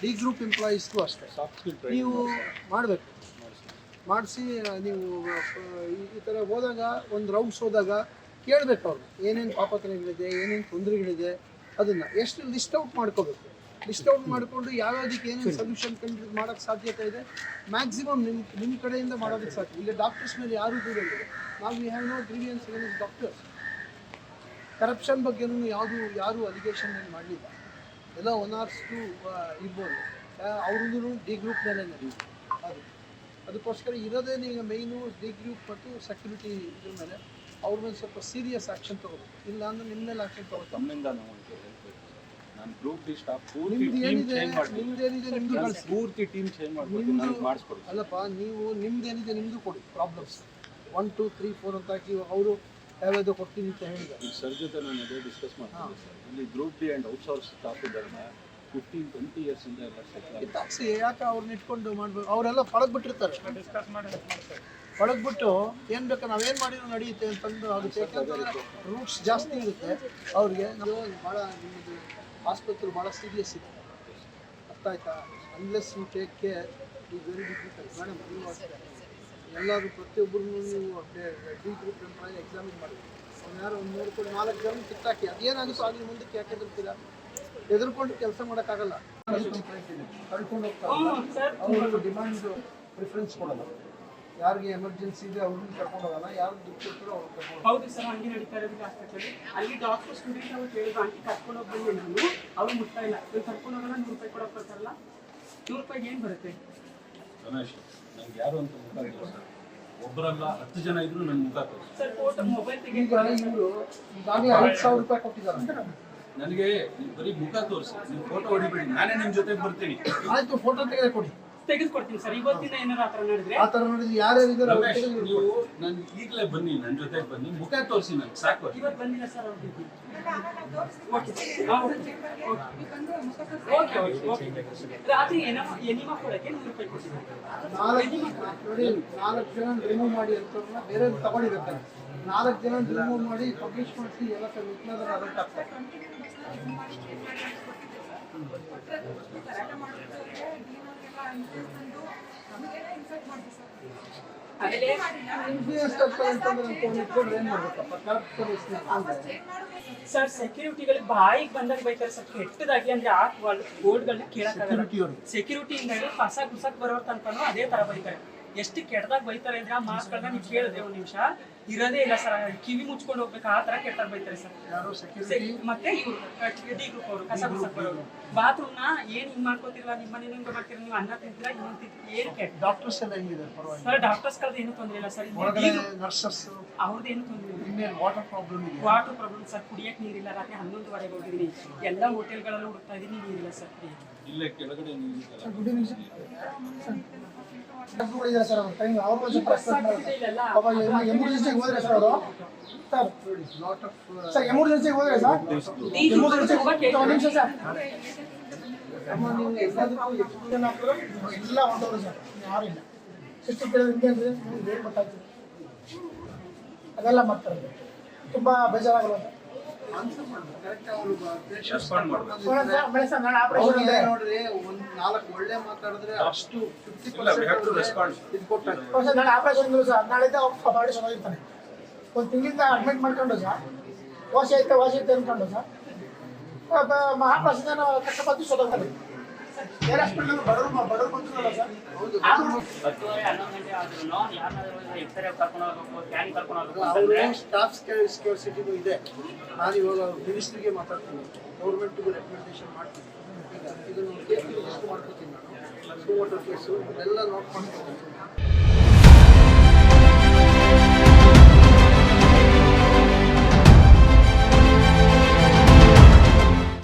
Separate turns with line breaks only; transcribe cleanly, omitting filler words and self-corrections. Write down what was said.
D group ಎಂಪ್ಲಾಯೀಸ್ಗೂ ಅಷ್ಟೇ ನೀವು ಮಾಡಬೇಕು. ಮಾಡಿಸಿ ನೀವು ಈ ಥರ ಹೋದಾಗ ಒಂದು ರೌಂಡ್ಸ್ ಹೋದಾಗ ಕೇಳಬೇಕು ಅವ್ರು ಏನೇನು ಪಾಪತ್ರಗಳಿದೆ, ಏನೇನು ತೊಂದರೆಗಳಿದೆ, ಅದನ್ನು ಎಷ್ಟು ಲಿಸ್ಟ್ ಔಟ್ ಮಾಡ್ಕೋಬೇಕು. ಲಿಸ್ಟ್ ಔಟ್ ಮಾಡಿಕೊಂಡು ಯಾವ್ಯಾವುದಕ್ಕೆ ಏನೇನು ಸೊಲ್ಯೂಷನ್ ಕಂಡು ಮಾಡೋಕ್ಕೆ ಸಾಧ್ಯತೆ ಇದೆ ಮ್ಯಾಕ್ಸಿಮಮ್ ನಿಮ್ಮ ಕಡೆಯಿಂದ ಮಾಡೋದಕ್ಕೆ ಸಾಧ್ಯ. ಈಗ ಡಾಕ್ಟರ್ಸ್ ಮೇಲೆ ಯಾರೂ ದೂರ ಇಲ್ಲ. ನಾವು we have no grievances against doctors. Corruption ಬಗ್ಗೆನೂ ಯಾರೂ ಅಲಿಗೇಷನ್ ಏನು ಮಾಡಲಿಲ್ಲ. ಎಲ್ಲ 1 or 2 ಇರ್ಬೋದು. ಅವ್ರದ್ದು ಡಿ ಗ್ರೂಪ್ ಮೇಲೆ ನಡೆಯುತ್ತೆ. ಅದಕ್ಕೋಸ್ಕರ ಇರೋದೇನು ಈಗ ಮೇಯ್ನು ಡಿ ಗ್ರೂಪ್ ಮತ್ತು ಸೆಕ್ಯೂರಿಟಿ ಇದ್ರ ಮೇಲೆ ಅವ್ರ ಮೇಲೆ ಸ್ವಲ್ಪ ಸೀರಿಯಸ್ ಆ್ಯಕ್ಷನ್ ತೊಗೋಬೇಕು. ಇಲ್ಲ ಅಂದ್ರೆ ನಿಮ್ಮ ಮೇಲೆ ಆ್ಯಕ್ಷನ್ ತೊಗೋಬೇಕು. ಅಲ್ಲಪ್ಪ, ನೀವು ನಿಮ್ದೇನಿದೆ ನಿಮ್ಮದು ಕೊಡಿ. ಪ್ರಾಬ್ಲಮ್ಸ್ 1 2 3 4 ಅಂತ ಹಾಕಿ ಅವರು ಯಾವ್ಯಾವುದು ಕೊಡ್ತೀನಿ ಅಂತ ಹೇಳಿದ್ದಾರೆ.
ಸರ್ ಜೊತೆ ನಾನು ಅದೇ ಡಿಸ್ಕಸ್ ಮಾಡ್ತೀನಿ ಸರ್. ಇಲ್ಲಿ group D and outsource staff ಇದ್ದಾರೆ 15-20 years ಇಂದ ಎಲ್ಲ
ಕಿತ್ತಾಕ್ಸಿ. ಯಾಕೆ ಅವ್ರನ್ನ ಇಟ್ಕೊಂಡು ಮಾಡಬೇಕು? ಅವರೆಲ್ಲ ಪಳಗ್ಬಿಟ್ಟಿರ್ತಾರೆ. ಪಳಗ್ಬಿಟ್ಟು ಏನು ಬೇಕು ನಾವೇನು ಮಾಡಿದ್ರು ನಡೆಯುತ್ತೆ ಅಂತಂದು ಆಗುತ್ತೆ. ಯಾಕಂತಂದರೆ ರೂಟ್ಸ್ ಜಾಸ್ತಿ ಇರುತ್ತೆ ಅವ್ರಿಗೆ. ನಾವು ಭಾಳ ನಿಮ್ಮದು ಆಸ್ಪತ್ರೆ ಭಾಳ ಸೀರಿಯಸ್ ಇದೆ, ಅರ್ಥ ಆಯ್ತಾ? Unless you take care is very difficult. Madam ನೀವು ಅಷ್ಟೇ ಎಲ್ಲರೂ ಪ್ರತಿಯೊಬ್ಬರೂ ನೀವು ಡಿ ಗ್ರೂಪ್ ಎಂಪ್ಲಾಯಿ ಎಕ್ಸಾಮಿನ್ ಮಾಡಬೇಕು. ಅವ್ನು ಯಾರು ಒಂದು ನೋಡ್ಕೊಂಡು 4 ಜನ ಕಿತ್ತಾಕಿ ಅದೇನಾಗುತ್ತೋ ಆಗಲಿ ಮುಂದಕ್ಕೆ ಯಾಕೆ ಹೆದರ್ತೀರಾ? ಹೆದರ್ಕೊಂಡು ಕೆಲಸ ಮಾಡೋಕ್ಕಾಗಲ್ಲ. ಕಳ್ಕೊಂಡು ಹೋಗ್ತಾರೆ. ಅವರು ಡಿಮಾಂಡ್ ಪ್ರಿಫರೆನ್ಸ್ ಕೊಡೋಲ್ಲ. ಯಾರಿಗೆ ಎಮರ್ಜೆನ್ಸಿ ಇದೆ ಅವ್ರನ್ನ ಕರ್ಕೊಂಡು ಹೋಗಲ್ಲ. ಯಾರು ದುಡ್ಡು ಕೊಡ್ತಾರೋ ಅವ್ರು ಕರ್ಕೊಂಡು.
ಹೌದು ಸರ್, ಹಂಗೆ ನಡೀತಾ ಇರೋದು ಹಾಸ್ಪಿಟಲ್. ಅಲ್ಲಿ ಡಾಕ್ಟರ್ ಸ್ಟೂಡೆಂಟ್ ಅವ್ರು ಕೇಳಿದ್ರು ಆಂಟಿ ಕರ್ಕೊಂಡು ಹೋಗ್ಬಂದು ನಾನು ಅವ್ರು ಮುಟ್ತಾ ಇಲ್ಲ. ಇವ್ರು ಕರ್ಕೊಂಡು ಹೋಗಲ್ಲ. 100 ರೂಪಾಯಿ ಕೊಡೋಕೆ ಬರ್ತಾರಲ್ಲ, 100 ರೂಪಾಯಿಗೆ ಏನು ಬರುತ್ತೆ?
ರಮೇಶ್, ನಂಗೆ ಯಾರು ಅಂತ ಮುಖ ಸರ್, ಒಬ್ಬರಲ್ಲ 10 ಜನ ಇದ್ರು ನನ್ನ ಮುಖ ತೋರಿಸಿ
ಸರ್. ಫೋಟೋ ಮೊಬೈಲ್ ತೆಗಿ.
ಇವರು ಈಗಾಗಲೇ 5,000 ರೂಪಾಯಿ ಕೊಟ್ಟಿದ್ದಾರೆ.
ನನಗೆ ಬರೀ ಮುಖ ತೋರಿಸಿ, ನೀವು ಫೋಟೋ ಹೊಡಿಬೇಡಿ, ನಾನೇ ನಿಮ್ಮ ಜೊತೆಗೆ ಬರ್ತೀನಿ.
ಆಯ್ತು, ಫೋಟೋ ತೆಗೆದುಕೊಡಿ,
ತೆಗೆದುಕೊಡ್ತೀನಿ ಸರ್. ಇವತ್ತಿನ ಏನಾರು ಆ ಥರ ನಡೆದ್ರೆ
ಆ ಥರ ನೋಡಿದ್ರೆ ಯಾರ್ಯಾರಿದ್ದಾರೆ
ರಮೇಶ್, ನೀವು ನಾನು ಈಗಲೇ ಬನ್ನಿ, ನನ್ನ ಜೊತೆಗೆ ಬನ್ನಿ, ಮುಖ ತೋರಿಸಿ ನನಗೆ ಸಾಕು.
ಇವತ್ತು ಬಂದಿಲ್ಲ ಸರ್ ಅವ್ರಿಗೆ. ರಾತ್ರಿ ಎನಿಮಾ ಕೊಡಕ್ಕೆ 100 ರೂಪಾಯಿ ಕೊಡ್ತೀನಿ.
4 ಜನ ರಿಮೂವ್ ಮಾಡಿ ಅಂತ ಬೇರೆ ತಗೊಂಡಿರ್ತಾರೆ. 4 ಜನ ರಿಮೂವ್ ಮಾಡಿ ಪಬ್ಲಿಷ್ ಮಾಡಿಸಿ ಎಲ್ಲ ವಿಜ್ಞಾನ ಅಲರ್ಟ್ ಆಗ್ತಾರೆ.
ಸರ್ ಸೆಕ್ಯೂರಿಟಿಗಳು ಬಾಯಿಗೆ ಬಂದಾಗ ಬೈತಾರೆ ಸರ್, ಕೆಟ್ಟದಾಗಿ. ಅಂದ್ರೆ ಆ ಬೋರ್ಡ್ಗಳನ್ನ ಕೇಳಕ್ಕಾಗಲ್ಲ. ಸೆಕ್ಯೂರಿಟಿಯಿಂದ ಕಸ ಗುಸಕ್ ಬರೋರ್ ತನಕನೂ ಅದೇ ತರ ಬೈತಾರೆ. ಎಷ್ಟು ಕೆಟ್ಟದಾಗ ಬೈತಾರೆ ಅಂದ್ರೆ ಆ ಮಾಸ್ಕ್ಗಳನ್ನ ನೀವು ಕೇಳಿದ್ರೆ 1 ನಿಮಿಷ ಇರೋದೇ ಇಲ್ಲ ಸರ್. ಕಿವಿ ಮುಚ್ಕೊಂಡು ಹೋಗ್ಬೇಕು, ಆ ತರ ಕೆಟ್ಟಾಗ ಬೈತಾರೆ ಸರ್. ಮತ್ತೆ ಇವರು ಡಿ ಗ್ರೂಪ್ ಅವರು ಕಸ ಗುಸಕ್ ಬರೋರು ಬಾತ್ರೂಮ್ ನ ಏನ್ ಹಿಂಗ್ ಮಾಡ್ಕೋತಿರಲ್ಲ, ನಿಮ್ಮ ಮನೆ ಹಿಂಗ್ ಮಾಡ್ತೀರ, ನೀವು ಅನ್ನ ತಿಂತೀರಾ, ಇನ್ನೊಂದು ತಿಂತೀರಿ, ಏನ್ ಕೆಟ್ಟ.
ಡಾಕ್ಟರ್ಸ್ ಎಲ್ಲ ಹೆಂಗಿದ್ದಾರೆ?
ಸರ್ ಡಾಕ್ಟರ್ಸ್ ಕಲ್ದ ಏನು ತೊಂದರೆ ಇಲ್ಲ ಸರ್.
ನರ್ಸಸ್
ಅವ್ರದ್ದು ಏನು ತೊಂದರೆ ಇಲ್ಲ.
ವಾಟರ್ ಪ್ರಾಬ್ಲಮ್ ಇದೆ.
Water problem sir. ಕುಡಿಯಕ್ಕೆ ನೀರಿಲ್ಲ. ರಾತ್ರಿ 11:15 ಹೋಗಿದ್ದೀನಿ. ಎಲ್ಲ ಹೋಟೆಲ್ಗಳಲ್ಲೂ ಹುಡುಕ್ತಾ ಇದೀನಿ, ನೀರಿಲ್ಲ ಸರ್.
ಇಲ್ಲೇ ಕೆಳಗಡೆ
ಎಮರ್ಜೆನ್ಸಿಗೆ ಹೋದ್ರೆ ಸರ್ ಅವರು ಎಮರ್ಜೆನ್ಸಿಗೆ ಹೋದ್ರೆ ಸರ್ ಒಂದು ನಿಮಿಷ ಸರ್ ನೀವು ಎಲ್ಲದಕ್ಕೂ ಎಷ್ಟು ಜನ ಎಲ್ಲ ಹೊಂಟವರು ಸರ್, ಯಾರು ಇಲ್ಲ. ಸಿಸ್ಟರ್ ಕೇಳಿದ್ರೆ ಅಂದರೆ ಏನು ಗೊತ್ತಾಗ್ತದೆ, ಅದೆಲ್ಲ ಮಾಡ್ತಾರೆ. ತುಂಬ ಬೇಜಾರಾಗಲ್ಲ ಸರ್. ನೋಡ್ರಿ, ಒಂದು 4 ಒಳ್ಳೆ ಮಾತಾಡಿದ್ರೆ ಅಷ್ಟು 50% ನಾಳೆ ಆಪರೇಷನ್ ಸರ್. ನಾಳೆದ ಬಾಡಿ ಚೆನ್ನಾಗಿರ್ತಾನೆ. 1 ತಿಂಗಳಿಂದ ಅಡ್ಮಿಟ್ ಮಾಡ್ಕೊಂಡು ಸರ್, ವಾಸಿ ಐತೆ ಅನ್ಕೊಂಡು ಸರ್ ಮಹಾಪ್ರಸಾದ ಕಷ್ಟಪಟ್ಟು ಸೋದಾಗ್ತಾರೆ. ಬೇರೆ ಹಾಸ್ಪಿಟಲ್ ಬಡವರು ಬಂದಿರಲ್ಲ ಸರ್.
10-11 ಆದ್ರೂ ಯಾರನ್ನಾದ್ರೂ ಎಕ್ಸ್ರೇ ಕರ್ಕೊಂಡು ಹೋಗ್ಬೇಕು, ಸ್ಕ್ಯಾನ್ ಕರ್ಕೊಂಡು ಹೋಗ್ಬೇಕು.
ಅವರು ಸ್ಟಾಫ್ ಸ್ಕ್ಯಾರ್ಸಿಟಿನೂ ಇದೆ. ನಾನು ಇವಾಗ ಮಿನಿಸ್ಟ್ರಿಗೆ ಮಾತಾಡ್ತೀನಿ, ಗೌರ್ಮೆಂಟ್ಗೂ ರೆಕಮೆಂಡೇಶನ್ ಮಾಡ್ತೀನಿ. ಈಗ ಇದನ್ನು ಕೇಸ್ ಲಿಸ್ಟ್ ಮಾಡ್ಕೋತೀನಿ ನಾನು. ವಾಟರ್ ಕೇಸು ಎಲ್ಲ ನೋಟ್ ಮಾಡ್ತೀನಿ.